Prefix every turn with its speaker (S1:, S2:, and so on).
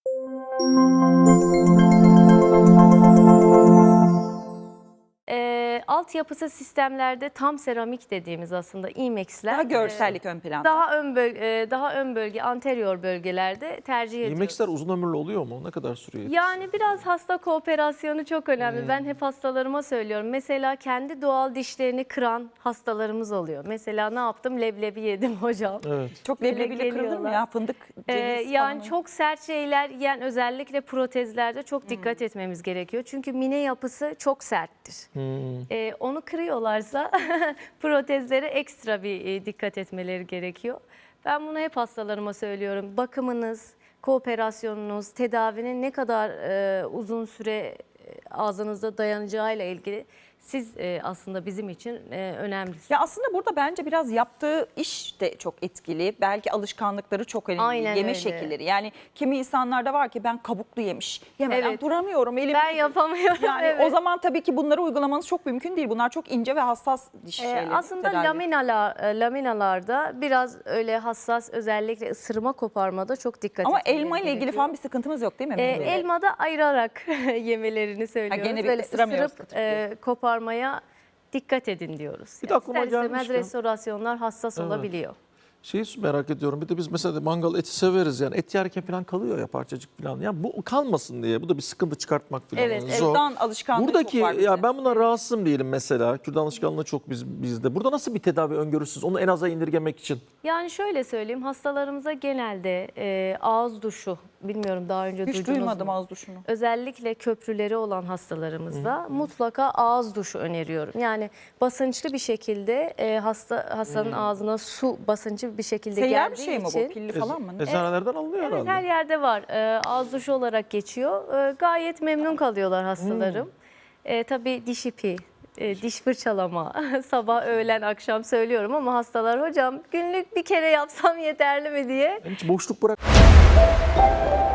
S1: Altyapısı sistemlerde tam seramik dediğimiz aslında IMEX'ler
S2: Daha görsellik ön planda.
S1: daha ön bölge, anterior bölgelerde tercih ediyoruz.
S3: IMEX'ler uzun ömürlü oluyor mu? Ne kadar sürüyor?
S1: Yani biraz hasta kooperasyonu çok önemli. Ben hep hastalarıma söylüyorum. Mesela kendi doğal dişlerini kıran hastalarımız oluyor. Mesela ne yaptım? Leblebi yedim hocam.
S3: Evet.
S2: Çok leblebiyle kırılır mı ya? Fındık, ceviz
S1: Yani
S2: falan.
S1: çok sert şeyler yiyen özellikle protezlerde çok dikkat etmemiz gerekiyor. Çünkü mine yapısı çok serttir. Onu kırıyorlarsa protezlere ekstra bir dikkat etmeleri gerekiyor. Ben bunu hep hastalarıma söylüyorum. Bakımınız, kooperasyonunuz, tedavinin ne kadar uzun süre ağzınızda dayanacağıyla ilgili siz aslında bizim için önemlisiniz.
S2: Ya aslında burada bence biraz yaptığı iş de çok etkili. Belki alışkanlıkları çok önemli.
S1: Aynen
S2: Yeme
S1: öyle.
S2: şekilleri. Yani kimi insanlarda var ki ben kabuklu yemiş. Yemeden
S1: Evet.
S2: duramıyorum. Elim
S1: Ben yapamıyorum.
S2: Yani
S1: evet.
S2: o zaman tabii ki bunları uygulamanız çok mümkün değil. Bunlar çok ince ve hassas diş şeyleri.
S1: Aslında
S2: tedavi.
S1: laminalarda biraz öyle hassas, özellikle ısırma koparmada çok dikkat
S2: Ama
S1: etmeleri
S2: elma ile ilgili
S1: gerekiyor.
S2: falan bir sıkıntımız yok değil mi? Meyveleri?
S1: Elmada ayırarak yemelerini söylüyoruz.
S2: gene bir
S1: Böyle
S2: ısıramıyoruz
S1: ısırıp koparmaya dikkat edin diyoruz.
S3: Bir de aklıma
S1: İster istemez
S3: gelmişken-
S1: restorasyonlar hassas
S3: Evet.
S1: olabiliyor.
S3: Şeyi merak ediyorum. Bir de biz mesela mangal eti severiz yani. Et yerken falan kalıyor ya parçacık falan. Yani bu kalmasın diye. Bu da bir sıkıntı çıkartmak falan.
S1: Evet, evet.
S3: zor.
S2: Kürdan alışkanlığı
S3: Buradaki
S2: çok var bizde.
S3: ya ben buna rahatsızım diyelim mesela. Kürdan alışkanlığı çok bizde. Burada nasıl bir tedavi öngörüsünüz? Onu en aza indirgemek için.
S1: Yani şöyle söyleyeyim, hastalarımıza genelde ağız duşu, bilmiyorum daha önce
S2: Hiç
S1: duydunuz
S2: duymadım
S1: mu?
S2: ağız duşunu.
S1: Özellikle köprüleri olan hastalarımızda mutlaka ağız duşu öneriyorum. Yani basınçlı bir şekilde hastanın ağzına su basıncı bir şekilde
S2: Seyyar
S1: geldiği
S2: bir şey mi
S1: için.
S2: bu? Pilli falan mı?
S3: Eczanelerden alınıyor
S1: Evet,
S3: herhalde.
S1: her yerde var. Ağız duşu olarak geçiyor. Gayet memnun kalıyorlar hastalarım. Tabii diş ipi, diş fırçalama, sabah, öğlen, akşam söylüyorum ama hastalar hocam günlük bir kere yapsam yeterli mi diye.
S3: Hiç boşluk bırak.